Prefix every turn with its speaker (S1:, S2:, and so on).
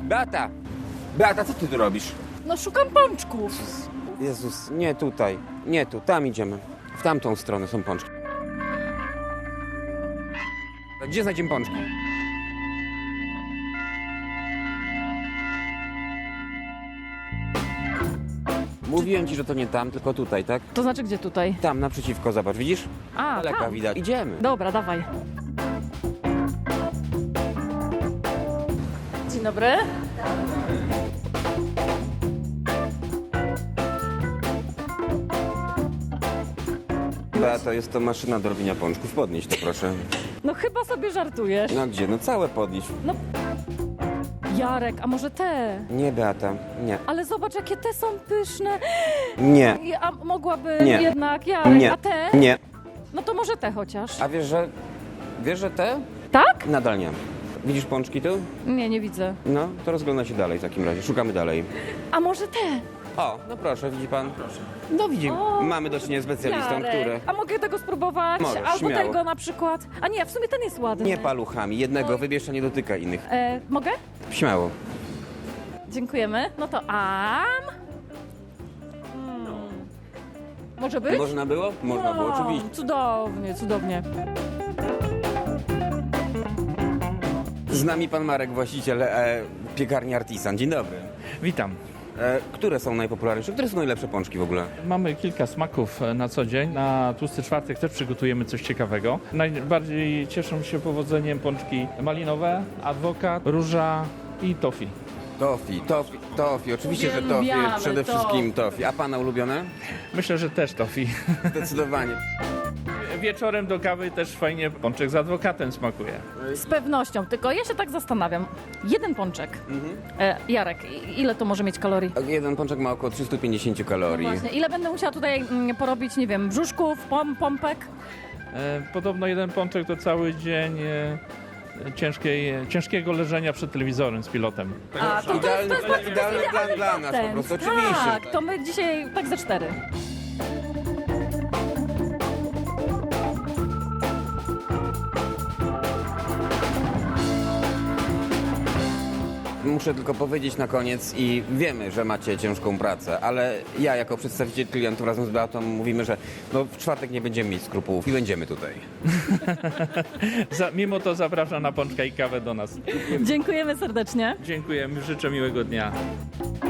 S1: Beata! Beata, co ty tu robisz?
S2: No szukam pączków.
S1: Jezus, nie tutaj. Nie tu, tam idziemy. W tamtą stronę są pączki. Gdzie znajdziemy pączki? Mówiłem ci, że to nie tam, tylko tutaj, tak?
S2: To znaczy gdzie tutaj?
S1: Tam, naprzeciwko, zobacz, widzisz?
S2: A,
S1: Daleka
S2: tam.
S1: widać. Idziemy.
S2: Dobra, dawaj. Dzień dobry.
S1: Beato, jest to maszyna do robienia pączków. Podnieś to, proszę.
S2: No chyba sobie żartujesz.
S1: No gdzie? No całe podnieś.
S2: No, Jarek, a może te?
S1: Nie, Beata, nie.
S2: Ale zobacz, jakie te są pyszne.
S1: Nie.
S2: A mogłaby
S1: Nie.
S2: jednak, Jarek,
S1: Nie.
S2: a te?
S1: Nie.
S2: No to może te chociaż.
S1: A wiesz, że te?
S2: Tak?
S1: Nadal nie. Widzisz pączki tu?
S2: Nie, nie widzę.
S1: No, to rozgląda się dalej w takim razie. Szukamy dalej.
S2: A może te?
S1: O, no proszę, widzi pan? Proszę. No widzi,
S2: O,
S1: mamy do czynienia z specjalistą,
S2: Jarek,
S1: który...
S2: A mogę tego spróbować?
S1: Możesz,
S2: Albo
S1: śmiało.
S2: tego na przykład. A nie, w sumie ten jest ładny.
S1: Nie paluchami, jednego wybierz, a nie dotyka innych.
S2: Mogę?
S1: Śmiało.
S2: Dziękujemy. No to Może być?
S1: Można było? Można było, oczywiście.
S2: Cudownie, cudownie.
S1: Z nami pan Marek, właściciel piekarni Artisan. Dzień dobry.
S3: Witam.
S1: Które są najpopularniejsze? Które są najlepsze pączki w ogóle?
S3: Mamy kilka smaków na co dzień. Na tłusty czwartek też przygotujemy coś ciekawego. Najbardziej cieszą się powodzeniem pączki malinowe, adwokat, róża i tofi.
S1: Tofi. Oczywiście, że tofi.
S2: Uwielbiamy
S1: Przede wszystkim tofi. A pana ulubione?
S3: Myślę, że też tofi.
S1: Zdecydowanie.
S3: Wieczorem do kawy też fajnie pączek z adwokatem smakuje.
S2: Z pewnością, tylko ja się tak zastanawiam. Jeden pączek. Jarek, ile to może mieć kalorii?
S1: Jeden pączek ma około 350 kalorii.
S2: Właśnie, ile będę musiała tutaj porobić, nie wiem, brzuszków, pompek?
S3: Podobno jeden pączek to cały dzień ciężkiego leżenia przed telewizorem z pilotem.
S2: A, to
S1: Idealny,
S2: jest bardzo
S1: idealny plan dla nas, po
S2: ten.
S1: prostu, oczywiście.
S2: Tak, to my dzisiaj tak ze 4.
S1: Muszę tylko powiedzieć na koniec i wiemy, że macie ciężką pracę, ale ja jako przedstawiciel klientów razem z Beatą mówimy, że no, w czwartek nie będziemy mieć skrupułów i będziemy tutaj.
S3: Mimo to zapraszam na pączka i kawę do nas.
S2: Dziękujemy serdecznie.
S3: Dziękuję, życzę miłego dnia.